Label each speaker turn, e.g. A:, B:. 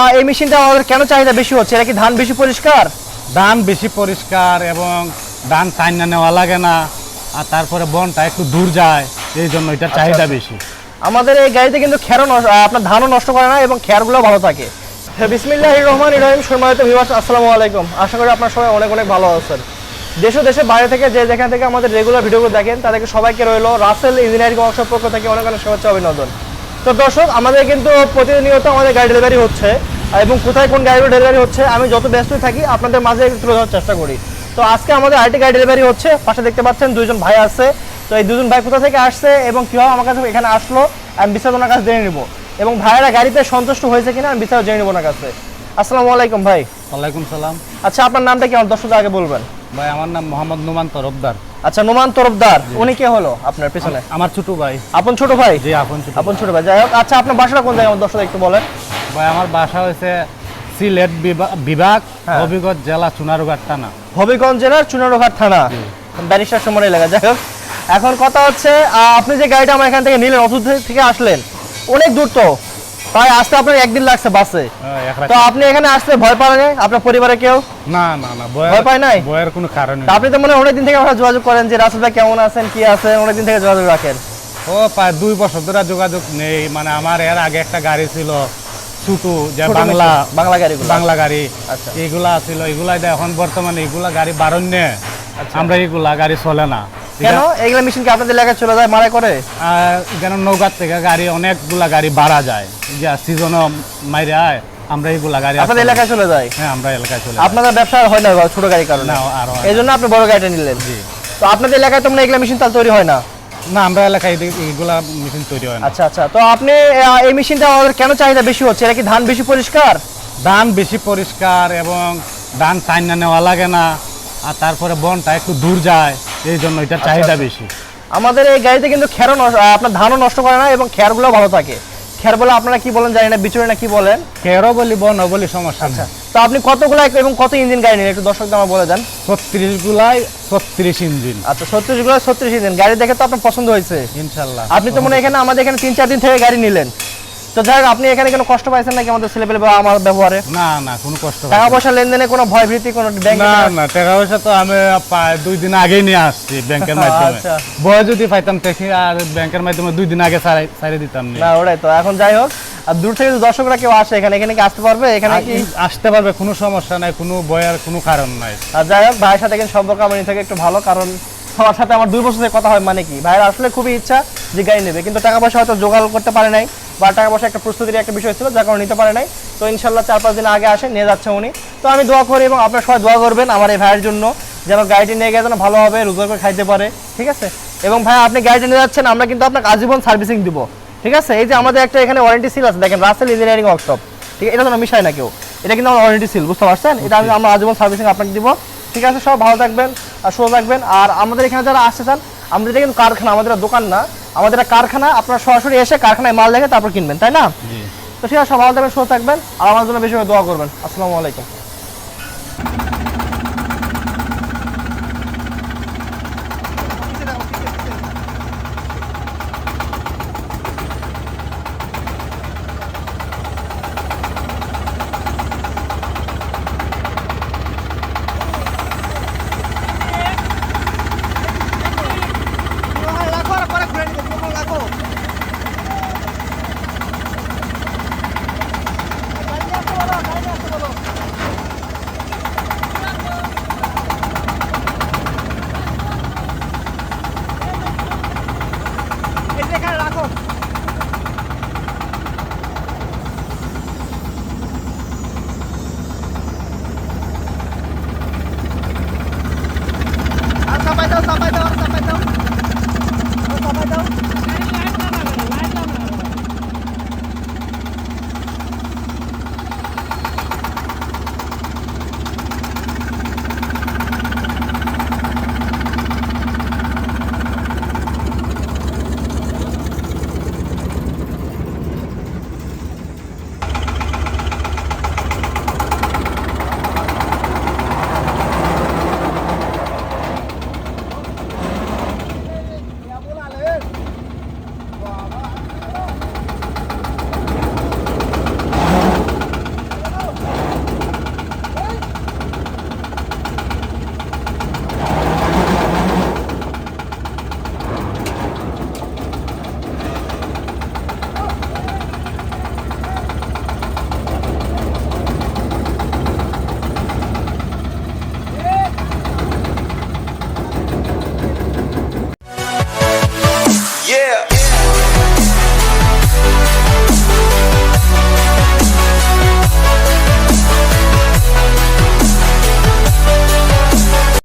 A: এই মেশিনটা আমাদের কেন চাহিদা বেশি হচ্ছে? এটা কি ধান বেশি পরিষ্কার?
B: ধান বেশি পরিষ্কার এবং ধান টাইনা নেওয়া লাগে না, আর তারপরে বনটা একটু দূর যায়, এই জন্য এটার চাহিদা বেশি।
A: আমাদের এই গাড়িতে কিন্তু আপনার ধানও নষ্ট করে না এবং খেরগুলো ভালো থাকে। বিসমিল্লাহির রহমানির রহিম। সম্মানিত ভিউয়ার্স, আসসালামু আলাইকুম। আশা করি আপনারা সবাই অনেক অনেক ভালো আছেন। দেশ ও দেশের বাইরে থেকে যে যেখান থেকে আমাদের রেগুলার ভিডিওগুলো দেখেন তাদেরকে সবাইকে রইল রাসেল ইঞ্জিনিয়ারিং ওয়ার্কশপ পক্ষ থেকে অনেক অনেক শুভেচ্ছা অভিনন্দন। তো দর্শক, আমাদের কিন্তু প্রতিনিয়ত আমাদের গাড়ি ডেলিভারি হচ্ছে এবং কোথায় কোন গাড়িগুলো ডেলিভারি হচ্ছে আমি যত ব্যস্তই থাকি আপনাদের মাঝে একটু তুলে ধরার চেষ্টা করি। তো আজকে আমাদের আরেকটি গাড়ি ডেলিভারি হচ্ছে। পাশে দেখতে পাচ্ছেন দুইজন ভাই আছে। তো এই দুজন ভাই কোথা থেকে আসছে এবং কীভাবে আমার কাছে এখানে আসলো আমি বিস্তারিত ওনার কাছে জেনে নিব, এবং ভাইয়েরা গাড়িতে সন্তুষ্ট হয়েছে কিনা আমি বিস্তারিত জেনে নিব ওনার কাছে। আসসালামু আলাইকুম ভাই।
B: ওয়ালাইকুম সালাম।
A: আচ্ছা, আপনার নামটা কি আমার দর্শকদের আগে বলবেন?
B: ভাই, আমার নাম মোহাম্মদ নোমান তরফদার।
A: আচ্ছা, নোমান তরফদার। উনি কে হলো আপনার পেছনে?
B: আমার ছোট ভাই।
A: আপন ছোট ভাই?
B: জি, আপন
A: ছোট ভাই। যাই হোক, আচ্ছা আপনার বাসাটা কোন জায়গায় আমার দর্শকদের একটু বলেন।
B: ভাই, আমার বাসা হয়েছে সিলেট বিভাগ,
A: হ্যাঁ।
B: হবিগঞ্জ জেলা, চুনারুঘাট থানা।
A: হবিগঞ্জ জেলার চুনারুঘাট থানা, ব্যারিস্টার সময় এলাকা। যাই হোক, এখন কথা হচ্ছে আপনি যে গাড়িটা আমার এখান থেকে নিলেন, অসুস্থ থেকে আসলেন, অনেক দূর তো, তাই আসতে আপনার একদিন লাগছে বাসে। তো আপনি এখানে আসতে ভয় পান নাই? আপনার পরিবারে কেউ?
B: না না না,
A: ভয় পায় নাই?
B: ভয়ের কোনো কারণ নেই।
A: আপনি তো মনে হয় অনেকদিন থেকে আপনারা যোগাযোগ করেন যে রাসেল ভাই কেমন আছেন, কি আছেন, অনেকদিন থেকে যোগাযোগ রাখেন।
B: ও প্রায় 2 বছর ধরে যোগাযোগ নেই। মানে আমার এর আগে একটা গাড়ি ছিল ছুটু, যে বাংলা গাড়ি,
A: আচ্ছা,
B: এগুলা ছিল, এগুলা এখন বর্তমানে এগুলা গাড়ি বারণ্যে।
A: আচ্ছা।
B: আমরা এগুলা গাড়ি চলে না।
A: কেন? এগুলা মেশিন কি আপনাদের এলাকায় চলে যায়, মারা করে?
B: এখানে নৌকার থেকে গাড়ি, অনেকগুলা গাড়ি বাড়া যায়, যে সিজনও মাইরে আয়, আমরা এইগুলা গাড়ি
A: আপনাদের এলাকায় চলে যায়।
B: হ্যাঁ, আমরা এলাকায় চলে।
A: আপনাদের ব্যবসা হয় না ছোট গাড়ির কারণে?
B: না, আর
A: এই জন্য আপনি বড় গাড়িটা নিলেন।
B: জি।
A: তো আপনাদের এলাকায় তো এগুলা মেশিন তাহলে তৈরি হয় না?
B: না, আমরা এলাকায় এইগুলা মেশিন তৈরি হয় না।
A: আচ্ছা আচ্ছা। তো আপনি এই মেশিনটা আমাদের কেন চাহিদা বেশি হচ্ছে? এটা কি ধান বেশি পরিষ্কার?
B: ধান বেশি পরিষ্কার এবং ধান টাইনা নেওয়া লাগে না, আর তারপরে বনটা একটু দূর যায়, এই জন্য এটার চাহিদা বেশি।
A: আমাদের এই গাড়িতে কিন্তু আপনার ধানও নষ্ট করে না এবং খেরগুলো ভালো থাকে। খের বলে আপনারা কি বলেন জানি না, বিচুরে না কি বলেন?
B: খেরও বলি, বনও বলি, সমস্যা নেই।
A: তো আপনি কতগুলো এবং কত ইঞ্জিন গাড়ি নিলেন একটু দর্শকদের আমার বলে দেন।
B: 36 গুলাই 36 ইঞ্জিন।
A: আচ্ছা, 36 গুলো 36 ইঞ্জিন গাড়ি দেখে তো আপনার পছন্দ হয়েছে
B: ইনশাআল্লাহ।
A: আপনি তো এখানে আমাদের এখানে 3-4 দিন থেকে গাড়ি নিলেন। তো যাই হোক, আপনি এখানে কোনো কষ্ট পাইছেন নাকি আমাদের ছেলেপেলে বা আমার ব্যবহারে?
B: না না, কোনো কষ্ট
A: টাকা পয়সা লেনদেনে কোনো ভয় ভীতি, কোনো ব্যাংক?
B: না না, টাকা পয়সা তো আমি 2 দিন আগেই নিয়ে আসছি ব্যাংকের মাধ্যমে।
A: আচ্ছা।
B: ভয় যদি পাইতাম দেখি, আর ব্যাংকের মাধ্যমে 2 দিন আগে ছাড়িয়ে দিতাম
A: না, ওটাই তো। এখন যাই হোক, আর দূর থেকে দর্শকরা কেউ আসে এখানে কি আসতে পারবে? এখানে কি
B: আসতে পারবে, কোনো সমস্যা নাই, কোনো ভয়ের কোনো কারণ নাই।
A: আর যাই হোক, ভাইয়ের সাথে কিন্তু সম্পর্ক আমার থেকে একটু ভালো, কারণ আমার সাথে আমার 2 বছর থেকে কথা হয়। মানে কি, ভাইয়ের আসলে খুবই ইচ্ছা যে গাড়ি নেবে, কিন্তু টাকা পয়সা হয়তো জোগাড় করতে পারে নাই, বা টাকা পয়সা একটা প্রস্তুতির একটা বিষয় ছিল, যার কারণে নিতে পারে নাই। তো ইনশাল্লাহ 4-5 দিন আগে আসে, নিয়ে যাচ্ছে উনি। তো আমি দোয়া করি এবং আপনারা সবাই দোয়া করবেন আমার এই ভাইয়ের জন্য, যেন গাড়িটি নিয়ে গিয়ে যেন ভালোভাবে রোজগার করে খাইতে পারে। ঠিক আছে? এবং ভাই, আপনি গাড়িটি নিয়ে যাচ্ছেন, আমরা কিন্তু আপনাকে আজীবন সার্ভিসিং দিব। ঠিক আছে? এই যে আমাদের একটা এখানে ওয়ারেন্টি সিল আছে, দেখেন, রাসেল ইঞ্জিনিয়ারিং ওয়ার্কশপ। ঠিক আছে? এটা তো মিশায় না কেউ, এটা কিন্তু আমার ওয়ারেন্টি সিল, বুঝতে পারছেন? এটা আমরা আজীবন সার্ভিসিং আপনাকে দিব। ঠিক আছে? সব ভালো থাকবেন আর সুস্থ থাকবেন। আর আমাদের এখানে যারা আসতে চান, আমাদের এটা কিন্তু কারখানা, আমাদের দোকান না, আমাদের কারখানা। আপনারা সরাসরি এসে কারখানায় মাল দেখে তারপর কিনবেন, তাই না?
B: জি।
A: তো ঠিক আছে, সব ভালো থাকবেন, সুস্থ থাকবেন, আর আমার জন্য বেশি করে দোয়া করবেন। আসসালামু আলাইকুম।